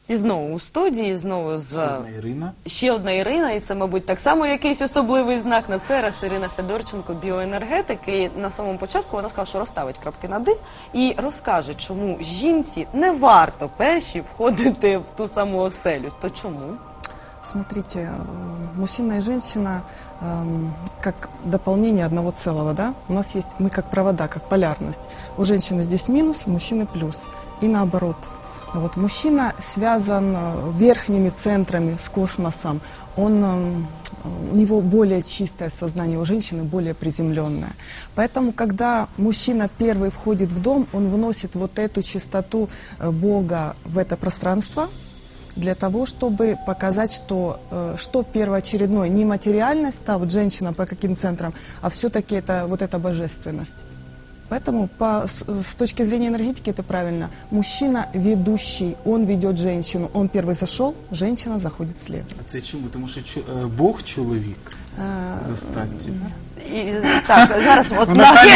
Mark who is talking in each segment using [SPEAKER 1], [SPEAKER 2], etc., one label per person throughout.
[SPEAKER 1] І знову у студії, знову з...
[SPEAKER 2] Ще одна Ірина.
[SPEAKER 1] Ще одна Ірина, і це, мабуть, так само якийсь особливий знак. На цей раз Ірина Федорченко, біоенергетик, і на самому початку вона сказала, що розставить крапки над «і» і розкаже, чому жінці не варто перші входити в ту саму оселю. То чому?
[SPEAKER 3] Смотрите, мужчина и женщина как дополнение одного целого, да? У нас есть, мы как провода, как полярность. У женщины здесь минус, у мужчины плюс. И наоборот. Вот мужчина связан верхними центрами с космосом. У него более чистое сознание, у женщины более приземленное. Поэтому, когда мужчина первый входит в дом, он вносит вот эту чистоту Бога в это пространство, для того, чтобы показать, что первоочередное, не материальность, да, вот женщина по каким центрам, а все-таки это вот эта божественность. Поэтому с точки зрения энергетики это правильно. Мужчина ведущий, он ведет женщину. Он первый зашел, женщина заходит следом.
[SPEAKER 2] А це чому? Тому що Бог чоловік за статтю.
[SPEAKER 1] Так, зараз от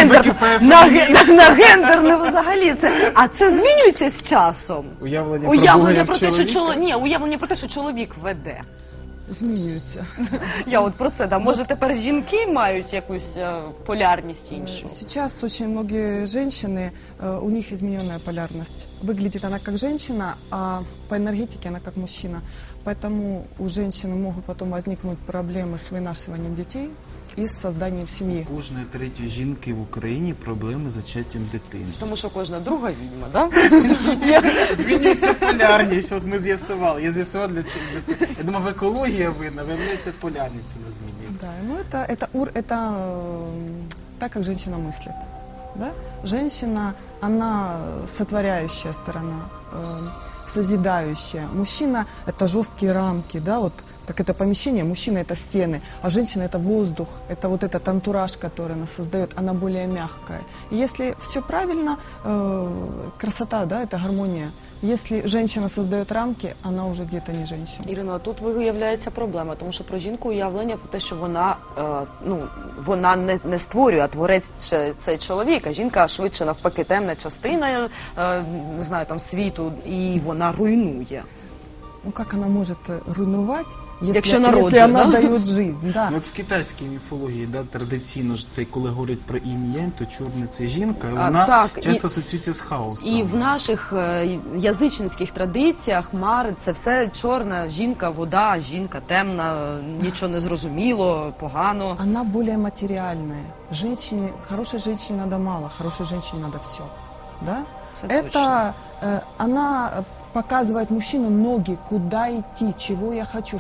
[SPEAKER 1] на гендер не взагалі це. А це змінюється з часом?
[SPEAKER 2] Уявлення
[SPEAKER 1] про те, що уявлення про те, що чоловік веде.
[SPEAKER 3] Змінюється.
[SPEAKER 1] Я от про це, да. Може тепер жінки мають якусь полярність іншу?
[SPEAKER 3] Сейчас очень многие женщины, у них измененная полярность. Выглядит она как женщина, а по энергетике она как мужчина. Поэтому у женщины могут потом возникнуть проблемы с вынашиванием детей и с созданием семьи.
[SPEAKER 2] Кожної третьої жінки в Україні проблеми з зачаттям дитини.
[SPEAKER 1] Тому що кожна друга відьма, так?
[SPEAKER 2] Змінюється полярність, от ми з'ясували. Я з'ясував для чого. Я думав, екологія винна, виявляється, полярність у нас змінюється.
[SPEAKER 3] Да, ну это так, как женщина мыслит. Да? Женщина, она сотворяющая сторона, созидающая. Мужчина – это жесткие рамки, да, вот как это помещение, мужчина – это стены, а женщина – это воздух, это вот этот антураж, который она создает, она более мягкая. И если все правильно, красота, да, это гармония. Если женщина создает рамки, она уже где-то не женщина.
[SPEAKER 1] Ірино, тут виявляється проблема, тому що про жінку уявлення про те, що вона не створює, а творець цей чоловік, а жінка швидше навпаки темна частина, не знаю, там світу, і вона руйнує.
[SPEAKER 3] Ну как она может руйнувати,
[SPEAKER 1] если
[SPEAKER 3] она дает жизнь? Да.
[SPEAKER 2] Ну, от в китайській міфології, да, традиційно ж це, коли говорять про інь-янь, то чорне це жінка, і вона часто асоціюється з хаосом.
[SPEAKER 1] І в наших язичницьких традиціях мари – це все чорна жінка, вода, жінка темна, нічого не зрозуміло, погано.
[SPEAKER 3] Она более материальная. Хорошей женщине надо мало, хорошей женщине надо все. Да? Это она показывает мужчину ноги, куда идти, чего я хочу,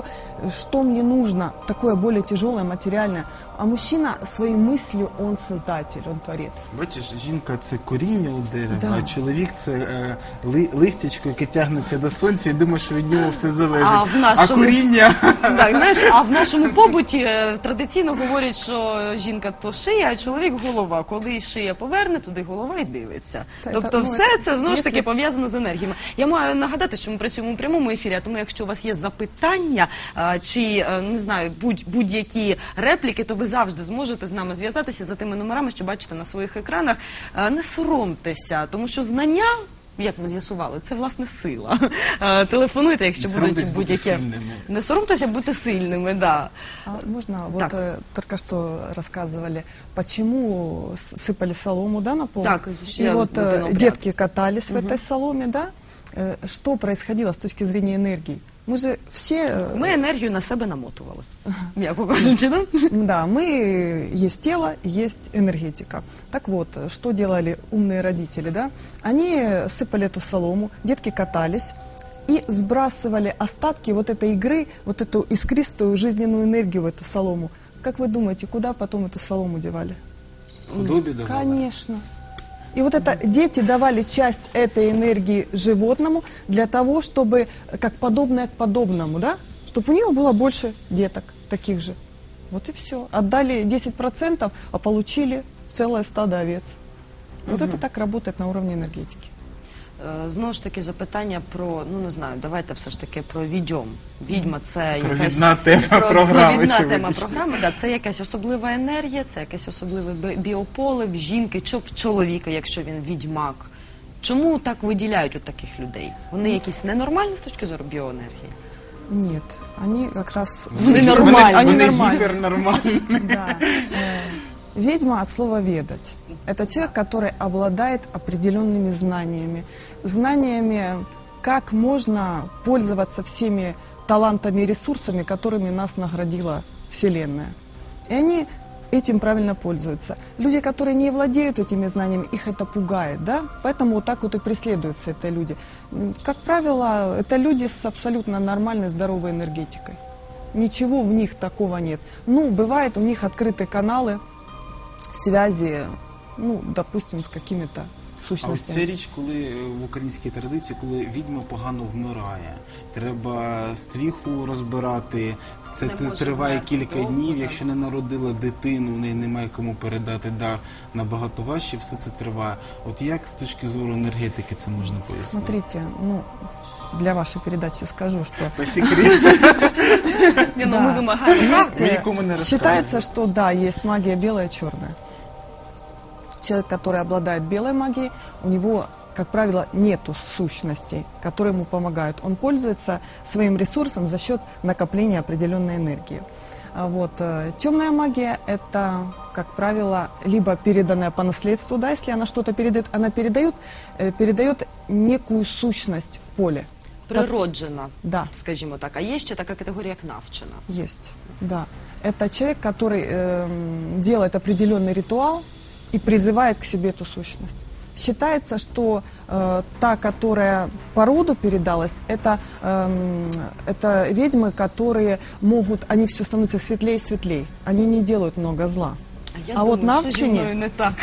[SPEAKER 3] что мне нужно, такое более тяжелое, материальное. А мужчина своей мыслью, он создатель, он творец.
[SPEAKER 2] Бачиш, жінка – це коріння у дерева,
[SPEAKER 3] да.
[SPEAKER 2] А чоловік – це листячко, яке тягнеться до сонця і думає, що від нього все залежить. А коріння…
[SPEAKER 1] Так, знаєш, а в нашому побуті традиційно говорять, що жінка – то шия, а чоловік – голова. Коли шия поверне, туди голова і дивиться. Тобто все це, знову ж таки, пов'язано з енергіями. Я маю нагадати, що ми працюємо у прямому ефірі, тому якщо у вас є запитання чи, не знаю, будь-які репліки, то ви завжди зможете з нами зв'язатися за тими номерами, що бачите на своїх екранах. Не соромтеся, тому що знання, як ми з'ясували, це, власне, сила. Телефонуйте, якщо будуть будь-які... Не соромтеся бути сильними, да.
[SPEAKER 3] Можно, вот только что рассказывали, почему сыпали солому, да, на пол?
[SPEAKER 1] Так,
[SPEAKER 3] и вот детки катались в этой соломе, да? Что происходило с точки зрения энергии? Мы же все...
[SPEAKER 1] Мы энергию на себя намотували, м'яко кажучи, да?
[SPEAKER 3] Да, есть тело, есть энергетика. Так вот, что делали умные родители, да? Они сыпали эту солому, детки катались и сбрасывали остатки вот этой игры, вот эту искристую жизненную энергию в эту солому. Как вы думаете, куда потом эту солому девали?
[SPEAKER 2] Худобе давали?
[SPEAKER 3] Конечно. И вот это дети давали часть этой энергии животному для того, чтобы, как подобное к подобному, да, чтобы у него было больше деток таких же. Вот и все. Отдали 10%, а получили целое стадо овец. Вот это так работает на уровне энергетики.
[SPEAKER 1] Знову ж таки, запитання про, ну не знаю, давайте все ж таки про відьом. Відьма – це якась...
[SPEAKER 2] Провідна тема програми.
[SPEAKER 1] Провідна тема програми, да. Це якась особлива енергія, це якесь особливе біополе в жінки, чи в чоловіка, якщо він відьмак. Чому так виділяють от таких людей? Вони якісь ненормальні з точки зору біоенергії?
[SPEAKER 3] Нет, они как раз...
[SPEAKER 1] Вони нормальні.
[SPEAKER 3] Они
[SPEAKER 2] Вони
[SPEAKER 3] нормальні.
[SPEAKER 2] гіпернормальні.
[SPEAKER 3] Да. Ведьма от слова «ведать». Это человек, который обладает определенными знаниями. Знаниями, как можно пользоваться всеми талантами и ресурсами, которыми нас наградила Вселенная. И они этим правильно пользуются. Люди, которые не владеют этими знаниями, их это пугает, да? Поэтому вот так вот и преследуются это люди. Как правило, это люди с абсолютно нормальной, здоровой энергетикой. Ничего в них такого нет. Ну, бывает у них открыты каналы связи, ну, допустим, с какими-то
[SPEAKER 2] А ось
[SPEAKER 3] сущностями.
[SPEAKER 2] ця річ, коли в українській традиції, коли відьма погано вмирає, треба стріху розбирати, це
[SPEAKER 1] Не може
[SPEAKER 2] триває
[SPEAKER 1] вмерти
[SPEAKER 2] кілька
[SPEAKER 1] довго,
[SPEAKER 2] днів,
[SPEAKER 1] да.
[SPEAKER 2] якщо не народила дитину, в неї немає кому передати дар, набагато важче все це триває. От як з точки зору енергетики це можна пояснити?
[SPEAKER 3] Смотрите, ну, для вашей передачи скажу, что
[SPEAKER 2] По секрету.
[SPEAKER 1] Ні, ну,
[SPEAKER 3] Да.
[SPEAKER 1] ми вимагаємо.
[SPEAKER 3] Есть,
[SPEAKER 2] Мы никому не
[SPEAKER 3] считается,
[SPEAKER 2] рассказываем.
[SPEAKER 3] что да, есть магия белая и черная. Человек, который обладает белой магией, у него, как правило, нету сущностей, которые ему помогают. Он пользуется своим ресурсом за счет накопления определенной энергии. А вот, темная магия – это, как правило, либо переданная по наследству, да, если она что-то передает, она передает некую сущность в поле.
[SPEAKER 1] Природжена,
[SPEAKER 3] Да.
[SPEAKER 1] скажімо так. А є ще така категорія, як навчена.
[SPEAKER 3] Есть, да. Это человек, который делает определенный ритуал и призывает к себе эту сущность. Считается, что та, которая по роду передалась, это ведьмы, которые могут, они все становятся светлее и светлее. Они не делают много зла.
[SPEAKER 1] Я
[SPEAKER 3] А
[SPEAKER 1] думаю,
[SPEAKER 3] от
[SPEAKER 1] що зі
[SPEAKER 3] навчені-
[SPEAKER 1] мною не так.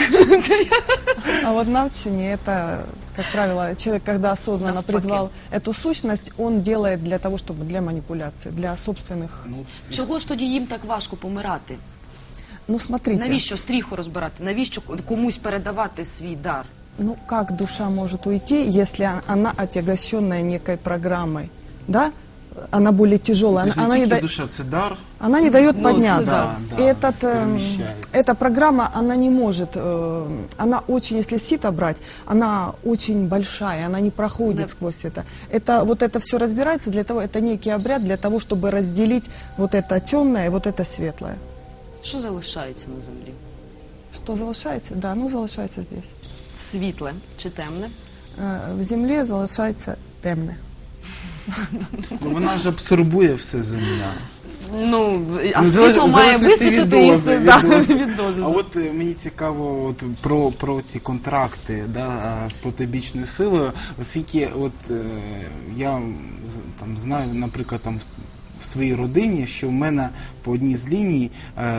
[SPEAKER 3] А вот навчание это, как правило, человек, когда осознанно
[SPEAKER 1] Навпаки.
[SPEAKER 3] призвал эту сущность, он делает для того, чтобы для манипуляции, для собственных.
[SPEAKER 2] Ну,
[SPEAKER 1] Чого ж тоді їм так важко помирати?
[SPEAKER 3] Ну, смотрите.
[SPEAKER 1] Навіщо стріху розбирати? Навіщо комусь передавати свій дар?
[SPEAKER 3] Ну, как душа может уйти, если она отягощенная некой программой, да? Она более тяжелая,
[SPEAKER 2] це ж
[SPEAKER 3] она
[SPEAKER 2] не
[SPEAKER 3] не,
[SPEAKER 2] тільки
[SPEAKER 3] да-
[SPEAKER 2] душа, це дар.
[SPEAKER 3] она не дает
[SPEAKER 1] Ну,
[SPEAKER 3] подняться.
[SPEAKER 2] да,
[SPEAKER 3] И
[SPEAKER 2] перемещается.
[SPEAKER 3] эта программа, она не может, она очень, если сито брать, она очень большая, она не проходит
[SPEAKER 1] Да.
[SPEAKER 3] сквозь это. Вот это все разбирается для того, это некий обряд для того, чтобы разделить вот это темное и вот это светлое.
[SPEAKER 1] Що залишається на землі?
[SPEAKER 3] Что залишается? Да, ну залишается здесь.
[SPEAKER 1] Світле чи темне?
[SPEAKER 3] В земле залишается темное.
[SPEAKER 2] Ну, вона ж абсорбує все земля.
[SPEAKER 1] Ну, а
[SPEAKER 2] Ну,
[SPEAKER 1] світло має
[SPEAKER 2] залежності від
[SPEAKER 1] висвітлити
[SPEAKER 2] дози,
[SPEAKER 1] і да,
[SPEAKER 2] від дози.
[SPEAKER 1] від дози.
[SPEAKER 2] А от мені цікаво от, про ці контракти, да, з протибічною силою, оскільки от, я там, знаю, наприклад, там, в своїй родині, що в мене по одній з ліній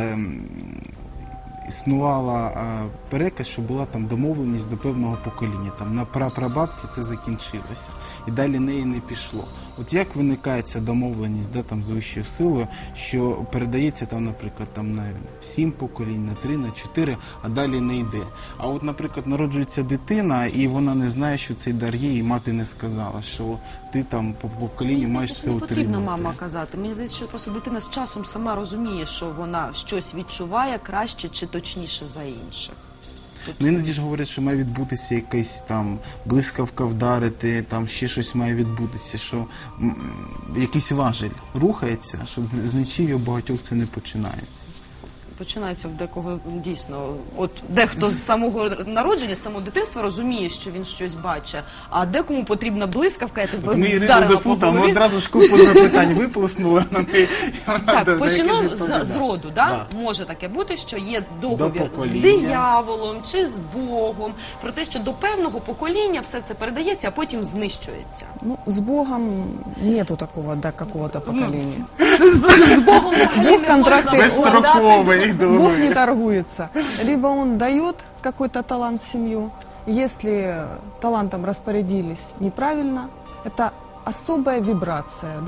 [SPEAKER 2] існувала переказ, що була там домовленість до певного покоління. Там на прапрабабці це закінчилося. І далі неї не пішло. От як виникає ця домовленість, да, там, з вищою силою, що передається там, наприклад, там, на 7 поколінь, на 3, на 4, а далі не йде. А от, наприклад, народжується дитина, і вона не знає, що цей дар є, і мати не сказала, що ти там по поколінню
[SPEAKER 1] Мені
[SPEAKER 2] маєш
[SPEAKER 1] здається,
[SPEAKER 2] це
[SPEAKER 1] не потрібно
[SPEAKER 2] отримати.
[SPEAKER 1] мама казати. Мені здається, що просто дитина з часом сама розуміє, що вона щось відчуває краще чи точніше за інших.
[SPEAKER 2] Ну, іноді ж говорять, що має відбутися якась там блискавка вдарити, там ще щось має відбутися, що якийсь важель рухається, що з нічого у багатьох це не починається.
[SPEAKER 1] Починається в декого дійсно, от дехто з самого народження, з самого дитинства розуміє, що він щось бачить, а декому потрібна блискавка, я тебе
[SPEAKER 2] От ми Ірину
[SPEAKER 1] вдарила по
[SPEAKER 2] заплутали, ми
[SPEAKER 1] голові.
[SPEAKER 2] одразу ж купу запитань виплеснули на неї. і вона
[SPEAKER 1] Так,
[SPEAKER 2] до яких
[SPEAKER 1] почну
[SPEAKER 2] відповідає.
[SPEAKER 1] з роду, да?
[SPEAKER 2] Да.
[SPEAKER 1] Може таке бути, що є договір з
[SPEAKER 2] покоління.
[SPEAKER 1] дияволом чи з Богом, про те, що до певного покоління все це передається, а потім знищується.
[SPEAKER 3] Ну, с Богом нету такого до какого-то поколения.
[SPEAKER 1] З Богом взагалі
[SPEAKER 3] Бог
[SPEAKER 1] не
[SPEAKER 3] контракти
[SPEAKER 1] можна
[SPEAKER 2] Безстроковий
[SPEAKER 3] Бог не
[SPEAKER 2] договір.
[SPEAKER 3] торгуется. Либо он дает какой-то талант в семью, если талантом распорядились неправильно, это особая вибрация, да?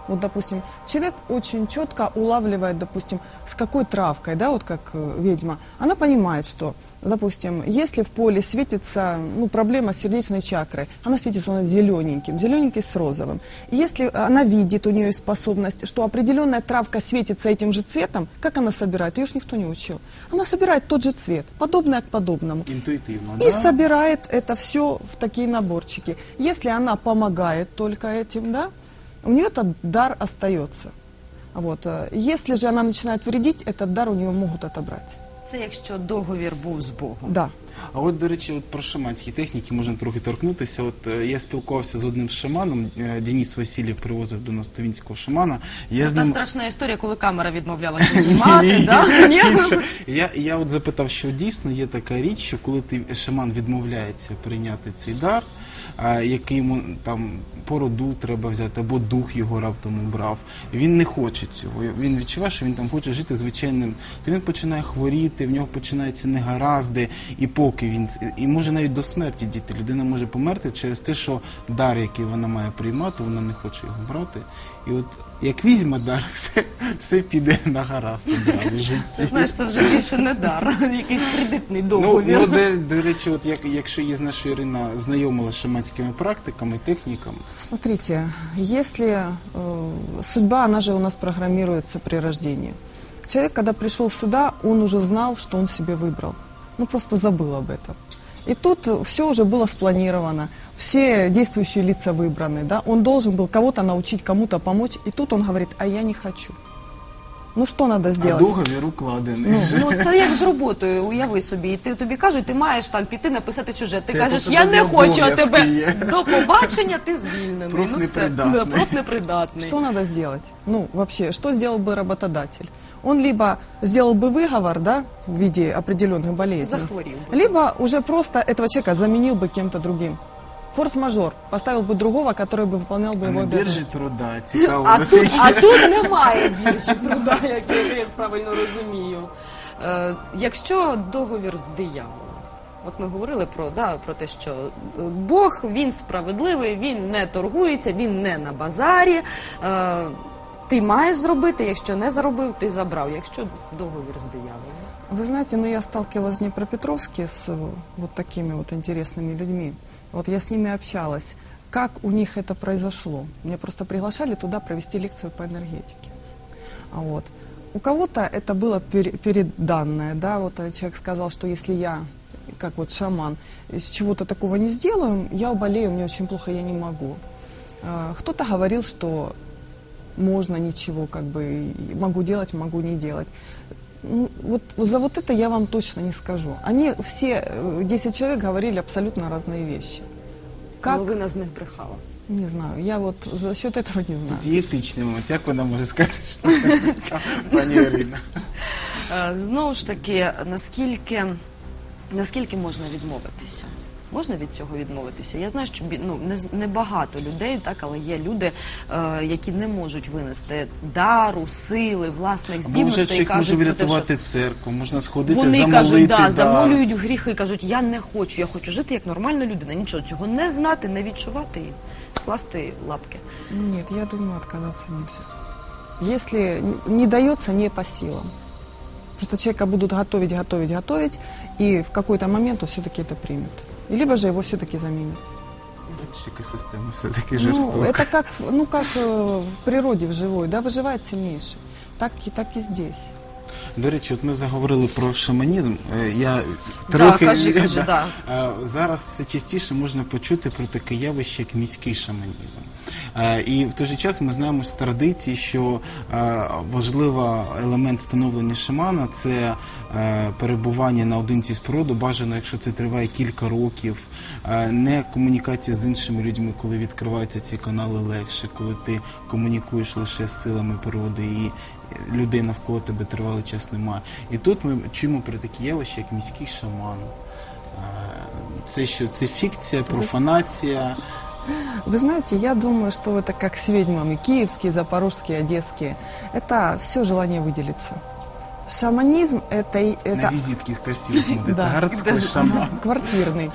[SPEAKER 3] Вот, допустим, человек очень четко улавливает, допустим, с какой травкой, да, вот как ведьма. Она понимает, что, допустим, если в поле светится, ну, проблема с сердечной чакрой, она светится у нас зелененьким, зелененький с розовым. И если она видит, у нее есть способность, что определенная травка светится этим же цветом, как она собирает? Ее ж никто не учил. Она собирает тот же цвет, подобное к подобному.
[SPEAKER 2] Интуитивно,
[SPEAKER 3] И
[SPEAKER 2] да?
[SPEAKER 3] собирает это все в такие наборчики. Если она помогает только этим, да, у нее этот дар остается. Вот. Если же она начинает вредить, этот дар у нее могут отобрать.
[SPEAKER 1] Це якщо договір був з Богом.
[SPEAKER 3] Да.
[SPEAKER 2] А от, до речі, от про шаманські техніки можна трохи торкнутися. От я спілкувався з одним шаманом, Денис Васильєв привозив до нас тувінського шамана.
[SPEAKER 1] Це та страшна історія, коли камера відмовлялася знімати, да? Ні?
[SPEAKER 2] Я от запитав, що дійсно є така річ, що коли шаман відмовляється прийняти цей дар, який йому там по роду треба взяти, або дух його раптом убрав, він не хоче цього. Він відчуває, що він там хоче жити звичайним, то він починає хворіти, в нього починаються негаразди, і поки він, і може навіть до смерті дійти. Людина може померти через те, що дар, який вона має приймати, вона не хоче його брати. І от як візьме дар, все піде на гаразд одразу в житті.
[SPEAKER 1] Це, знаєш, це вже більше не дар, якийсь кредитний договір.
[SPEAKER 2] Ну, до речі, от якщо є, знаєш, Ірина знайомила з шаманськими практиками, техніками.
[SPEAKER 3] Смотрите, если судьба, она же у нас программируется при рождении. Человек, когда пришел сюда, он уже знал, что он себе выбрал. Ну, просто забыл об этом. И тут все уже было спланировано, все действующие лица выбраны, да? Он должен был кого-то научить, кому-то помочь, и тут он говорит, а я не хочу. Ну, що треба зробити?
[SPEAKER 2] А договір укладений.
[SPEAKER 1] Ну, це як з роботою, уяви собі. І тобі кажуть, ти маєш там піти написати сюжет. Ти кажеш,
[SPEAKER 2] просто
[SPEAKER 1] я не
[SPEAKER 2] тобі
[SPEAKER 1] хочу, а
[SPEAKER 2] обов'язки
[SPEAKER 1] тебе
[SPEAKER 2] є.
[SPEAKER 1] до побачення, ти звільнений.
[SPEAKER 2] Профнепридатний.
[SPEAKER 1] Ну, профнепридатний.
[SPEAKER 3] Что надо сделать? Ну, вообще, что сделал бы работодатель? Он либо сделал бы выговор, да, в виде определенных болезней,
[SPEAKER 1] Захворел бы.
[SPEAKER 3] либо уже просто этого человека заменил бы кем-то другим. Форс-мажор. Поставил бы другого, который бы выполнял бы
[SPEAKER 2] А
[SPEAKER 3] его
[SPEAKER 2] на біржі
[SPEAKER 3] обязанности.
[SPEAKER 2] труда, цікаво.
[SPEAKER 1] А тут немає більше труда, як я правильно розумію. Якщо договір з дияволом, от ми говорили про те, що Бог, він справедливий, він не торгується, він не на базарі. Ти маєш зробити, якщо не заробив, ти забрав. Якщо договір з дияволом.
[SPEAKER 3] Вы знаете, я сталкивалась в Днепропетровске с вот такими вот интересными людьми. Вот я с ними общалась. Как у них это произошло? Меня просто приглашали туда провести лекцию по энергетике. Вот. У кого-то это было переданное, да, вот человек сказал, что если я, как вот шаман, из чего-то такого не сделаю, я уболею, мне очень плохо, я не могу. Кто-то говорил, что можно ничего, как бы, могу делать, могу не делать. Ну, вот за вот это я вам точно не скажу. Они все, 10 человек, говорили абсолютно разные вещи. Как?
[SPEAKER 1] Половина з них брехала.
[SPEAKER 3] Не знаю, я вот за счет этого не знаю.
[SPEAKER 2] Дієтичний момент, як вона може сказати, що пані Ірина?
[SPEAKER 1] Знову ж таки, наскільки можна відмовитися? Можна від цього відмовитися? Я знаю, що не багато людей, так, але є люди, які не можуть винести дару, сили, власних
[SPEAKER 2] Або вже
[SPEAKER 1] здібностей.
[SPEAKER 2] чоловік може
[SPEAKER 1] Кажуть про те, що
[SPEAKER 2] врятувати церкву, можна сходити,
[SPEAKER 1] вони
[SPEAKER 2] замолити.
[SPEAKER 1] кажуть, замолюють в гріхи, кажуть, я не хочу, я хочу жити як нормальна людина. Нічого цього не знати, не відчувати і скласти лапки.
[SPEAKER 3] Нет, я думаю, отказаться нельзя. Если не дается, не по силам. Просто человека будут готовить, и в какой-то момент он все-таки это примет. И либо же его все-таки заменят.
[SPEAKER 2] Екосистема все-таки
[SPEAKER 3] Ну,
[SPEAKER 2] жорстока.
[SPEAKER 3] это как в природе, в живой, да, выживает сильнейший. Так и здесь.
[SPEAKER 2] До речі, от ми заговорили про шаманізм. Я
[SPEAKER 1] Да,
[SPEAKER 2] трохи
[SPEAKER 1] кажи, да.
[SPEAKER 2] Зараз все частіше можна почути про таке явище, як міський шаманізм. І в той же час ми знаємо з традиції, що важливий елемент становлення шамана – це перебування наодинці з природою, бажано, якщо це триває кілька років, не комунікація з іншими людьми, коли відкриваються ці канали легше, коли ти комунікуєш лише з силами природи і людей навколо тебе тривалий час немає. І тут ми чуємо про такі явища, як міський шаман. Це що? Це фікція, профанація?
[SPEAKER 3] Вы знаете, я думаю, что это как с ведьмами, киевские, запорожские, одесские. Это все желание выделиться. Шаманизм
[SPEAKER 2] На
[SPEAKER 3] это
[SPEAKER 2] визитке красиво смотрится.
[SPEAKER 3] Да.
[SPEAKER 2] Городской шаман.
[SPEAKER 3] квартирный.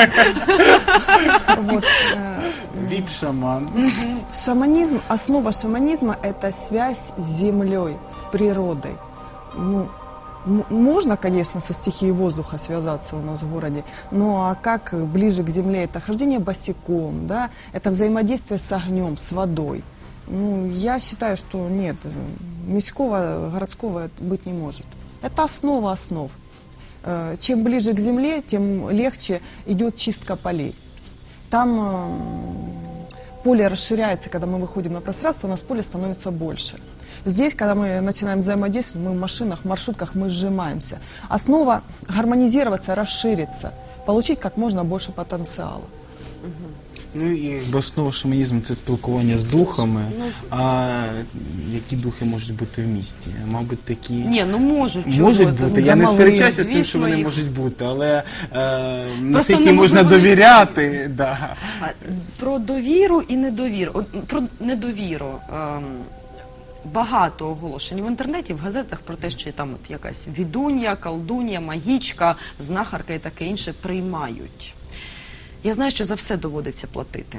[SPEAKER 3] Вот,
[SPEAKER 2] Вип-шаман.
[SPEAKER 3] шаманизм, основа шаманизма – это связь с землей, с природой. Ну, можно, конечно, со стихией воздуха связаться у нас в городе, но а как ближе к земле? Это хождение босиком, да? Это взаимодействие с огнем, с водой. Ну, я считаю, что нет, міського, городского быть не может. Это основа основ. Чем ближе к земле, тем легче идет чистка полей. Там поле расширяется, когда мы выходим на пространство, у нас поле становится больше. Здесь, когда мы начинаем взаимодействовать, мы в машинах, маршрутках, мы сжимаемся. Основа гармонизироваться, расшириться, получить как можно больше потенциала.
[SPEAKER 2] Ну і основа шаманізму – це спілкування з духами. А які духи можуть бути в місті? Мабуть, такі...
[SPEAKER 1] Ні, ну можуть.
[SPEAKER 2] Можуть
[SPEAKER 1] чого?
[SPEAKER 2] бути. Я не
[SPEAKER 3] Домові,
[SPEAKER 2] сперечаюся з тим, що
[SPEAKER 1] звісно,
[SPEAKER 2] вони
[SPEAKER 1] їх.
[SPEAKER 2] можуть бути, але
[SPEAKER 1] Просто
[SPEAKER 2] наскільки можна
[SPEAKER 1] неможливо
[SPEAKER 2] довіряти. Да.
[SPEAKER 1] Про довіру і недовіру. От, про недовіру. Багато оголошень в інтернеті, в газетах про те, що там от якась відунья, колдунья, магічка, знахарка і таке інше приймають. Я знаю, що за все доводиться платити.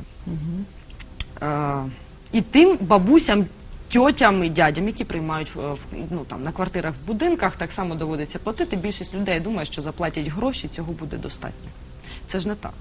[SPEAKER 1] І тим бабусям, тьотям і дядям, які приймають на квартирах в будинках, так само доводиться платити. Більшість людей думає, що заплатять гроші, цього буде достатньо. Це ж не так.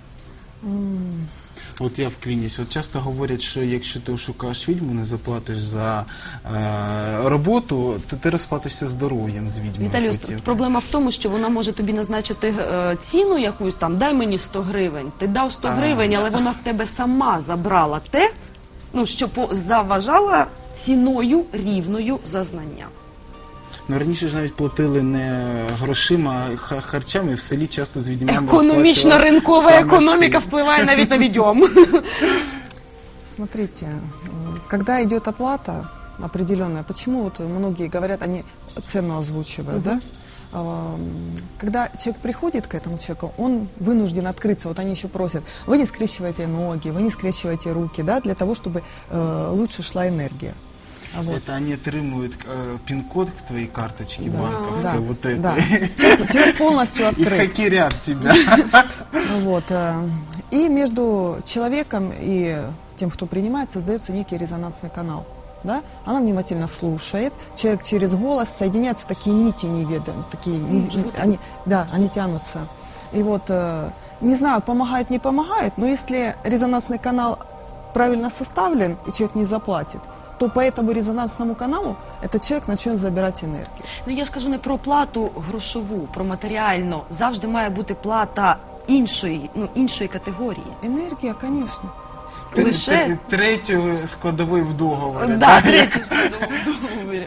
[SPEAKER 2] От я вклінюсь. От часто говорять, що якщо ти шукаєш відьму, не заплатиш за роботу, то ти розплатишся здоров'ям з відьмою.
[SPEAKER 1] Віталію,
[SPEAKER 2] потім.
[SPEAKER 1] проблема в тому, що вона може тобі назначити ціну якусь там, дай мені 100 гривень. Ти дав 100 гривень, але вона в тебе сама забрала те, що заважала ціною рівною за знання.
[SPEAKER 2] Ну, раніше ж навіть платили не грошима, а харчами. В селі часто з відьмами
[SPEAKER 1] Економічна ринкова економіка впливає навіть на відьом.
[SPEAKER 3] Смотрите, когда идет оплата определенная, почему вот многие говорят, они цену озвучивают, да? Когда человек приходит к этому человеку, он вынужден открыться. Вот они еще просят, вы не скрещиваете ноги, вы не скрещиваете руки, да, для того, чтобы лучше шла энергия. Вот.
[SPEAKER 2] Это они отримуют пин-код к твоей карточке банковской,
[SPEAKER 3] Да,
[SPEAKER 2] вот это.
[SPEAKER 3] да. Человек полностью
[SPEAKER 2] И
[SPEAKER 3] открыт.
[SPEAKER 2] хакерят тебя.
[SPEAKER 3] Вот. И между человеком и тем, кто принимает, создается некий резонансный канал. Да? Она внимательно слушает, человек через голос, соединяются такие нити неведомые, такие, они тянутся. И вот, не знаю, помогает, не помогает, но если резонансный канал правильно составлен, и человек не заплатит, то по этому резонансному каналу этот человек начнет забирать энергию.
[SPEAKER 1] Ну я ж кажу не про плату грошову, про матеріальну. Завжди має бути плата іншої категорії.
[SPEAKER 3] Энергия, конечно.
[SPEAKER 1] Лише
[SPEAKER 2] Третю складовою в договорі.
[SPEAKER 1] да, третю складову в договорі.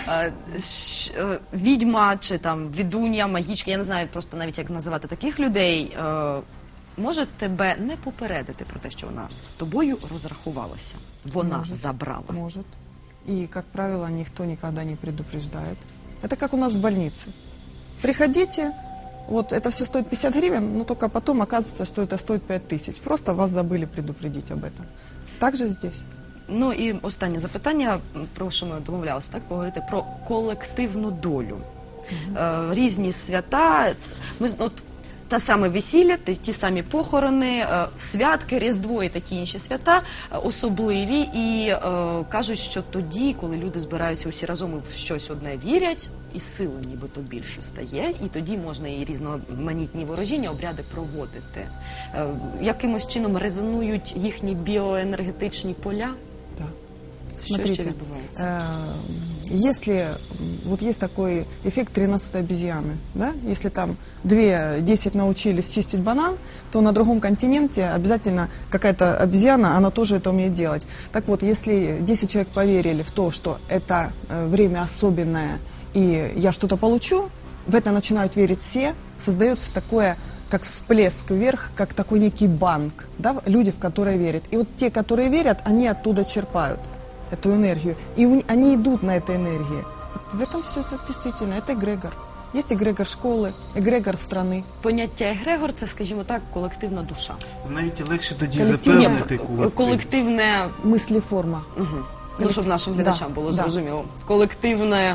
[SPEAKER 1] Відьма чи там відунья, магічка, я не знаю просто навіть як називати таких людей, може тебе не попередити про те, що вона з тобою розрахувалася. Вона
[SPEAKER 3] Может.
[SPEAKER 1] забрала.
[SPEAKER 3] Может. И, как правило, никто никогда не предупреждает. Это как у нас в больнице. Приходите, вот это все стоит 50 гривен, но только потом оказывается, что это стоит 5000. Просто вас забыли предупредить об этом. Так же здесь.
[SPEAKER 1] Ну і останнє запитання, про що ми домовлялися, так, поговорити про колективну долю. Різні свята, та саме весілля, ті самі похорони, святки, Різдво і такі інші свята особливі. І кажуть, що тоді, коли люди збираються усі разом і в щось одне вірять, і сили нібито більше стає, і тоді можна і різноманітні ворожіння, обряди проводити. Якимось чином резонують їхні біоенергетичні поля?
[SPEAKER 3] Да.
[SPEAKER 1] Що ще
[SPEAKER 3] Смотрите,
[SPEAKER 1] відбувається?
[SPEAKER 3] если вот есть такой эффект 13-й обезьяны, да? Если там 10 научились чистить банан, то на другом континенте обязательно какая-то обезьяна, она тоже это умеет делать. Так вот, если 10 человек поверили в то, что это время особенное, и я что-то получу, в это начинают верить все, создается такое, как всплеск вверх, как такой некий банк, да? Люди, в которые верят. И вот те, которые верят, они оттуда черпают эту энергию. И они идут на этой энергии. В этом все это действительно, это эгрегор. Есть эгрегор школы, эгрегор страны.
[SPEAKER 1] Поняття егрегор – це, скажімо так, колективна душа.
[SPEAKER 2] Навіть легше тоді
[SPEAKER 3] Колективне-
[SPEAKER 2] запевнити когось.
[SPEAKER 1] Колективне,
[SPEAKER 3] Мыслеформа.
[SPEAKER 1] ну, щоб нашим глядачам було
[SPEAKER 3] Да.
[SPEAKER 1] зрозуміло, колективне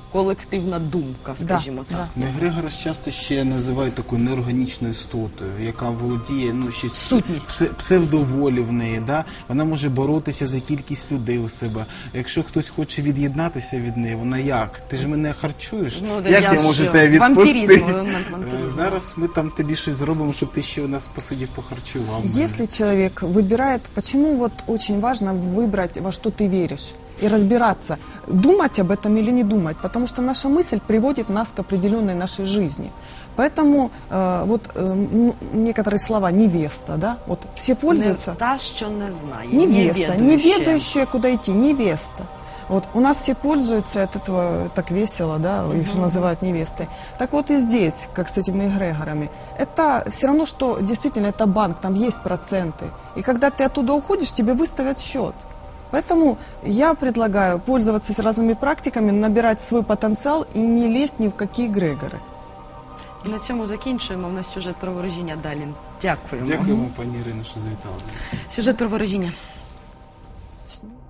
[SPEAKER 1] колективна думка, скажімо так.
[SPEAKER 3] да.
[SPEAKER 2] Егрегора часто ще називають такою неорганічною істотою, яка володіє, ну, щось
[SPEAKER 1] Сутність.
[SPEAKER 2] псевдоволі в неї, да? Вона може боротися за кількість людей у себе. Якщо хтось хоче від'єднатися від неї, вона як? Ти ж мене харчуєш?
[SPEAKER 1] Ну,
[SPEAKER 2] Як
[SPEAKER 1] я
[SPEAKER 2] я можу
[SPEAKER 1] що?
[SPEAKER 2] тебе відпустити?
[SPEAKER 1] Вампіризм, елемент вампіризму.
[SPEAKER 2] Зараз ми там тобі щось зробимо, щоб ти ще у нас посидів, похарчував.
[SPEAKER 3] Если человек выбирает, почему вот очень важно выбрать, во что ты веришь, и разбираться, думать об этом или не думать, потому что наша мысль приводит нас к определенной нашей жизни. Поэтому некоторые слова «невеста», да, вот все пользуются.
[SPEAKER 1] Не та, що не знає.
[SPEAKER 3] Невеста,
[SPEAKER 1] невідуюча.
[SPEAKER 3] неведающая, куда идти, невеста. Вот у нас все пользуются от этого так весело, да, их же называют невестой. Так вот и здесь, как с этими эгрегорами, это все равно, что действительно это банк, там есть проценты. И когда ты оттуда уходишь, тебе выставят счет. Поэтому я предлагаю пользоваться разными практиками, набирать свой потенциал и не лезть ни в какие эгрегоры.
[SPEAKER 1] І на цьому закінчуємо. У нас сюжет про ворожіння далі. Дякуємо.
[SPEAKER 2] Дякуємо, пані Ірино, що завітали.
[SPEAKER 1] Сюжет про ворожіння.
[SPEAKER 3] С ним.